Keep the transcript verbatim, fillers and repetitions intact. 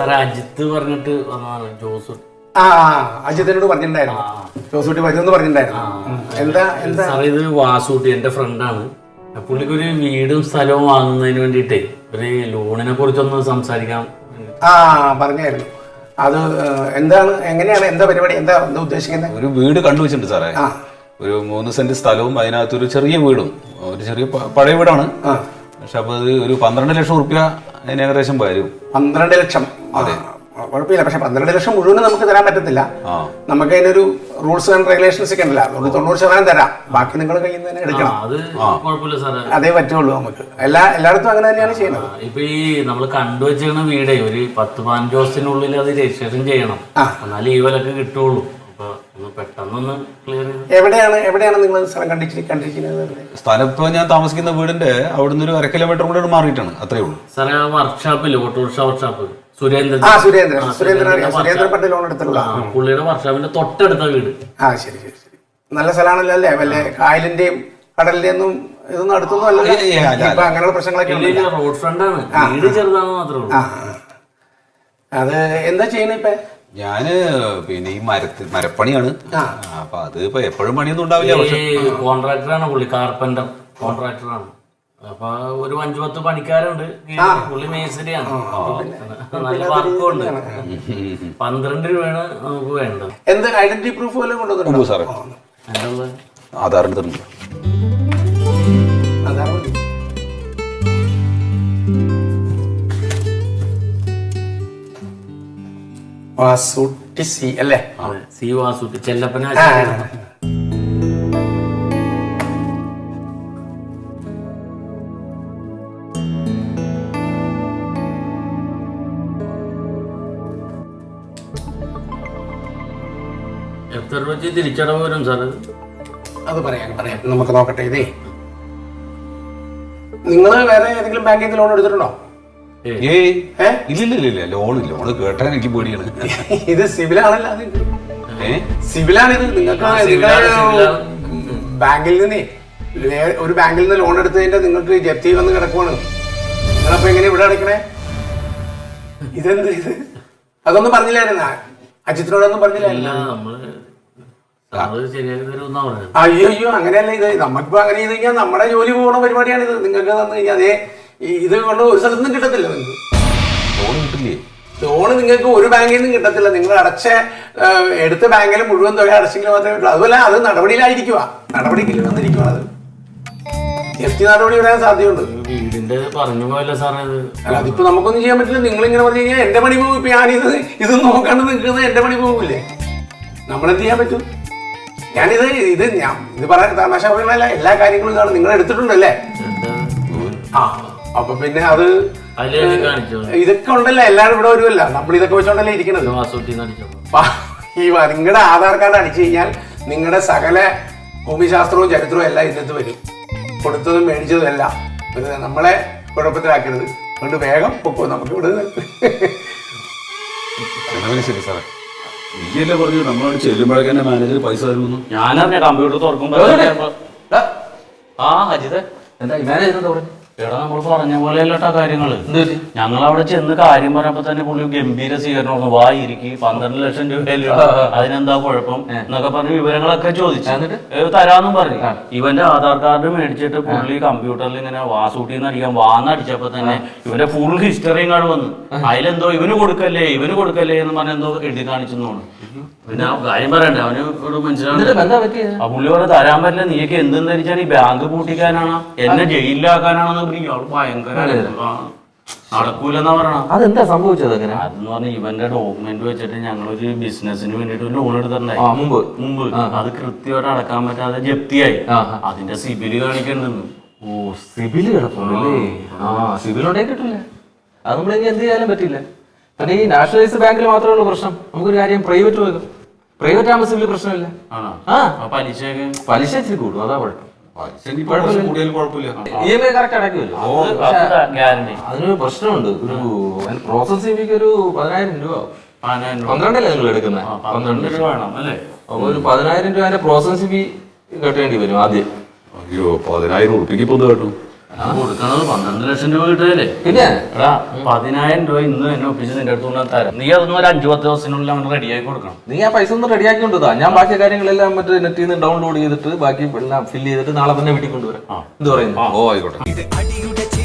സാറേ അജിത്ത് പറഞ്ഞിട്ട് വന്നതാണ് ജോസ്. ആ അജിത്തിനോട് പറഞ്ഞിട്ടുണ്ടായിരുന്നു, ജോസൂട്ടി വരുമെന്ന് പറഞ്ഞിട്ടുണ്ടായിരുന്നു. എന്താ എന്താ സാറേ ഇത് വാസൂട്ടി എന്റെ ഫ്രണ്ടാണ്. പുള്ളിക്ക് ഒരു വീടും സ്ഥലവും വാങ്ങുന്നതിന് വേണ്ടിയിട്ടേ ഒരു ലോണിനെ കുറിച്ചൊന്ന് സംസാരിക്കാം. ആ പറഞ്ഞായിരുന്നു. അത് എന്താണ്, എങ്ങനെയാണ്, എന്താ പരിപാടി, എന്താ എന്താ ഉദ്ദേശിക്കുന്നത്? ഒരു വീട് കണ്ടുവച്ചിട്ടുണ്ട് സാറേ. ഒരു മൂന്ന് സെന്റ് സ്ഥലവും അതിനകത്തൊരു ചെറിയ വീടും. ഒരു ചെറിയ പഴയ വീടാണ്, പക്ഷെ അപ്പൊ അത് ഒരു പന്ത്രണ്ട് ലക്ഷം റുപ്യ അതിന് ഏകദേശം വരും. പന്ത്രണ്ട് ലക്ഷം? അതെ, കുഴപ്പമില്ല. പക്ഷെ പന്ത്രണ്ട് ലക്ഷം മുഴുവൻ നമുക്ക് തരാൻ പറ്റത്തില്ല. നമുക്ക് അതിനൊരു റൂൾസ് ആൻഡ് റെഗുലേഷൻസ് ഒക്കെ ഉണ്ടല്ലോ, അതുകൊണ്ട് തൊണ്ണൂറ് ശതമാനം തരാം, ബാക്കി നിങ്ങൾ കയ്യിൽ നിന്ന് തന്നെ എടുക്കണം. അതേ പറ്റുള്ളൂ നമുക്ക്. എല്ലാ എല്ലായിടത്തും അങ്ങനെ തന്നെയാണ് ചെയ്യുന്നത്. ഇപ്പൊ ഈ നമ്മൾ കണ്ടുവച്ചിരുന്ന വീടേ ഒരു പത്ത് പതിനഞ്ച് ദിവസത്തിനുള്ളിൽ അത് രജിസ്ട്രേഷൻ ചെയ്യണം, എന്നാലും ഈ വിലക്ക് കിട്ടുള്ളൂ. പെട്ടെന്നൊന്ന് ക്ലിയർ. എവിടെയാണ് എവിടെയാണ് നിങ്ങൾ സ്ഥലം കണ്ടിട്ട് കണ്ടിരിക്കുന്നത്? സ്ഥലം ഇപ്പൊ ഞാൻ താമസിക്കുന്ന വീടിന്റെ അവിടുന്ന് ഒരു അര കിലോമീറ്റർ കൂടെ മാറിയിട്ടാണ്, അത്രേ ഉള്ളൂ സാറേ. ആ വർക്ക്ഷോപ്പില് ഓട്ടോറിക്ഷ വർക്ക്ഷോപ്പ് സുരേന്ദ്രൻ, ആ സുരേന്ദ്രൻ സുരേന്ദ്രൻ സുരേന്ദ്രൻ പണ്ട് ലോൺ എടുത്തിട്ടുള്ള പുള്ളിയുടെ വർക്ക്ഷോപ്പിന്റെ തൊട്ടടുത്ത വീട്. ആ ശരി ശരി ശരി. നല്ല സ്ഥലമാണല്ലോ അല്ലേ? വല്ല കായലിന്റെയും കടലിന്റെയും ഒന്നും ഇതൊന്നും അടുത്തൊന്നും അല്ലല്ലോ. ഇപ്പൊ അങ്ങനെയുള്ള പ്രശ്നങ്ങളൊക്കെ റോഡ് ഫ്രണ്ടാണ്, വീട് ചെറുതാണെന്ന് മാത്രമേ ഉള്ളൂ. അത് എന്താ ചെയ്യണ ഇപ്പൊ? ഞാന് പിന്നെ ഈ മരത്ത് മരപ്പണിയാണ്. അപ്പൊ അത് ഇപ്പൊ എപ്പോഴും പണിയൊന്നും ഉണ്ടാവില്ല. കോൺട്രാക്ടറാണ് പുള്ളി, കാർപ്പന്റർ കോൺട്രാക്ടറാണ്. അപ്പൊ ഒരു അഞ്ചു പത്ത് പണിക്കാരുണ്ട്. പുള്ളി മേസ്ത്രിയാണ്, നല്ല വർക്കും ഉണ്ട്. പന്ത്രണ്ട് രൂപയാണ് നമുക്ക് വേണ്ടത്. എന്ത് ഐഡന്റിറ്റി പ്രൂഫ് വല്ലതും കൊണ്ടുവന്നു സാറേ? ആധാറിന് തരുന്നുണ്ട്. വാസൂട്ടി സി അല്ലേ? സി വാസൂട്ടി ചെല്ലപ്പന. എത്ര രൂപ തിരിച്ചടവ് വരും സാർ? അത് പറയാം പറയാം നമുക്ക് നോക്കട്ടെ. ഇതേ നിങ്ങൾ വേറെ ഏതെങ്കിലും ബാങ്കിൽ നിന്ന് ലോൺ എടുത്തിട്ടുണ്ടോ? ഏയ് ഇല്ലില്ല, ലോണ് ലോണ് കേട്ടാൻ എനിക്ക് പേടിയാണ്. ഇത് സിവിലാണല്ലോ. സിവിലാണിത്. നിങ്ങൾക്ക് ബാങ്കിൽ നിന്നേ ഒരു ബാങ്കിൽ നിന്ന് ലോൺ എടുത്തതിന്റെ നിങ്ങൾക്ക് ജപ്തി വന്ന് കിടക്കുവാണ്. നിങ്ങളപ്പോ എങ്ങനെ ഇവിടെ അടയ്ക്കണേ? ഇതെന്ത് ഇത്? അതൊന്നും പറഞ്ഞില്ലായിരുന്ന അജിത്തിനോടൊന്നും പറഞ്ഞില്ലായിരുന്നു? അയ്യോ അയ്യോ അങ്ങനെയല്ല ഇത്. നമുക്കിപ്പോ അങ്ങനെ ചെയ്ത് കഴിഞ്ഞാൽ നമ്മുടെ ജോലി പോകുന്ന പരിപാടിയാണ് ഇത്. നിങ്ങൾക്ക് തന്നു കഴിഞ്ഞാൽ അതേ ഇത് കൊണ്ട് ഒരു സ്ഥലത്തുനിന്നും കിട്ടത്തില്ല. നിങ്ങൾക്ക് ലോൺ കിട്ടില്ലേ? ലോണ് നിങ്ങൾക്ക് ഒരു ബാങ്കിൽ നിന്നും കിട്ടത്തില്ല. നിങ്ങൾ അടച്ച എടുത്ത ബാങ്കിൽ മുഴുവൻ തുക അടച്ചെങ്കിൽ മാത്രമേ കിട്ടൂ. അതുപോലെ അത് നടപടിയിലായിരിക്കുക, നടപടിക്ക് വന്നിരിക്കുക. അത് ജപ്തി നടപടി വരാൻ സാധ്യതയുണ്ട്. വീടിന്റെ പറഞ്ഞു പോയല്ലോ സാറേ. അല്ല അതിപ്പോ നമുക്കൊന്നും ചെയ്യാൻ പറ്റില്ല. നിങ്ങൾ ഇങ്ങനെ പറഞ്ഞു കഴിഞ്ഞാൽ എന്റെ പണി പോകും. ഇപ്പൊ ഞാനിത് ഇത് നോക്കാണ്ട് നിൽക്കുന്നത് എന്റെ പണി പോകില്ലേ? നമ്മളെന്ത് ചെയ്യാൻ പറ്റും? ഞാനിത് ഇത് ഞാൻ ഇത് പറയാൻ തമാശ പറയണല്ല, എല്ലാ കാര്യങ്ങളും കാണും. നിങ്ങൾ എടുത്തിട്ടുണ്ടല്ലേ? ആ അപ്പൊ പിന്നെ അത് ഇതൊക്കെ ഉണ്ടല്ലോ, എല്ലാവരും ഇവിടെ വരുമല്ല. നമ്മൾ ഇതൊക്കെ വെച്ചോണ്ടല്ലേ ഇരിക്കണത്. ഈ നിങ്ങളുടെ ആധാർ കാർഡ് അടിച്ചു കഴിഞ്ഞാൽ നിങ്ങളുടെ സകല ഭൂമിശാസ്ത്രവും ചരിത്രവും എല്ലാം ഇതിനകത്ത് വരും. കൊടുത്തതും മേടിച്ചതും എല്ലാം. പിന്നെ നമ്മളെ കുഴപ്പത്തിലാക്കരുത്. അതുകൊണ്ട് വേഗം പൊക്കോ, നമുക്ക് ഇവിടെ ശരി സാറേ. നീയല്ലേ പറഞ്ഞു നമ്മളോട് ചെല്ലുമ്പോഴേക്കന്നെ മാനേജർ പൈസ തരുന്നു? ഞാനറിഞ്ഞ കമ്പ്യൂട്ടർ തുറക്കുമ്പോ ആ അജിത് എന്താ മാനേജർ എന്താ പറഞ്ഞു? എടാ നമ്മൾ പറഞ്ഞ പോലെയല്ലോട്ടാ കാര്യങ്ങള്. ഞങ്ങൾ അവിടെ ചെന്ന് കാര്യം പറയുമ്പോ തന്നെ പുള്ളി ഗംഭീര സ്വീകരണം. വാ ഇരിക്കി, പന്ത്രണ്ട് ലക്ഷം രൂപയല്ലോ, അതിനെന്താ കുഴപ്പം എന്നൊക്കെ പറഞ്ഞ് വിവരങ്ങളൊക്കെ ചോദിച്ചു തരാന്നും പറഞ്ഞു. ഇവന്റെ ആധാർ കാർഡ് മേടിച്ചിട്ട് പുള്ളി കമ്പ്യൂട്ടറിൽ ഇങ്ങനെ വാസൂട്ടിന്ന് അടിക്കാൻ വാന്നടിച്ചപ്പോ തന്നെ ഇവന്റെ ഫുൾ ഹിസ്റ്ററി ഇങ്ങോട്ട് വന്നു. അതിലെന്തോ ഇവന് കൊടുക്കല്ലേ ഇവന് കൊടുക്കല്ലേ എന്ന് പറഞ്ഞ എന്തോ എഴുതി കാണിച്ചെന്നു. പിന്നെ കാര്യം പറയണ്ടേ, അവന് ഒരു മനസ്സിലാവും. ആ പുള്ളി പറഞ്ഞ തരാൻ പറ്റില്ല, നീക്ക് എന്തെന്ന് ധരിച്ചാൽ ഈ ബാങ്ക് പൂട്ടിക്കാനാണ് എന്നെ ജയിലിലാക്കാനാണെന്ന് ഇയാൾ ഭയങ്കര നടക്കൂലെന്നാ പറയണം. അതെന്താ സംഭവിച്ചത്? അങ്ങനെ അതെന്ന് പറഞ്ഞാൽ ഇവന്റെ ഡോക്യുമെന്റ് വെച്ചിട്ട് ഞങ്ങളൊരു ബിസിനസിന് വേണ്ടിട്ട് ലോൺ എടുത്തിട്ടുണ്ടായി മുമ്പ് മുമ്പ് അത് കൃത്യമായിട്ട് അടക്കാൻ പറ്റാതെ ജപ്തിയായി. അതിന്റെ സിബില് കാണിക്കണ്ടെന്ന്. ഓ സിബില് കിടപ്പുണ്ടല്ലേ? ആ സിബിൽ ഉണ്ടെങ്കിൽ കിട്ടില്ല. അത് നമ്മൾ ഇനി എന്ത് ചെയ്യാനും പറ്റില്ല. പിന്നെ ഈ നാഷണലൈസ്ഡ് ബാങ്കിൽ മാത്രമേ ഉള്ളൂ പ്രശ്നം. നമുക്കൊരു കാര്യം പ്രൈവറ്റ് പോകാം. പ്രൈവറ്റ് ആകുമ്പോൾ സിബിൽ പ്രശ്നമില്ല. ആ പലിശ പലിശ ഇച്ചിരി കൂടും, അതാ കുഴപ്പം. അതിനൊരു പ്രശ്നമുണ്ട്. ഒരു പ്രോസസിംഗ് ഫീക്ക് ഒരു പതിനായിരം രൂപ. പന്ത്രണ്ടല്ലേ നിങ്ങൾ എടുക്കുന്നത്? പന്ത്രണ്ട് രൂപ വേണം അല്ലേ? അപ്പൊ ഒരു പതിനായിരം രൂപ പ്രോസസിംഗ് ഫീ കെട്ടേണ്ടി വരും ആദ്യം. അയ്യോ പതിനായിരം ഉറുപ്പിക്ക് ഇപ്പൊ കേട്ടു. കൊടുക്കണത് പന്ത്രണ്ട് ലക്ഷം രൂപ കിട്ടുകയല്ലേ? പിന്നെ എടാ പതിനായിരം രൂപ ഇന്ന് എന്നെ ഒപ്പിച്ച് നിന്റെ അടുത്ത് കൊണ്ടാ തരാം. നീ അതൊന്നും ഒരു അഞ്ചു പത്ത് ദിവസത്തിനുള്ളിൽ അവന് റെഡിയാക്കി കൊടുക്കണം. നീ ആ പൈസ ഒന്ന് റെഡിയാക്കി കൊണ്ടുതാ. ഞാൻ ബാക്കി കാര്യങ്ങളെല്ലാം മറ്റേ നെറ്റിൽ നിന്ന് ഡൗൺലോഡ് ചെയ്തിട്ട് ബാക്കി എല്ലാം ഫില്ല് ചെയ്തിട്ട് നാളെ തന്നെ വീട്ടിൽ കൊണ്ടുവരാം. എന്ത് പറയുന്നു? ഓ ആയിക്കോട്ടെ.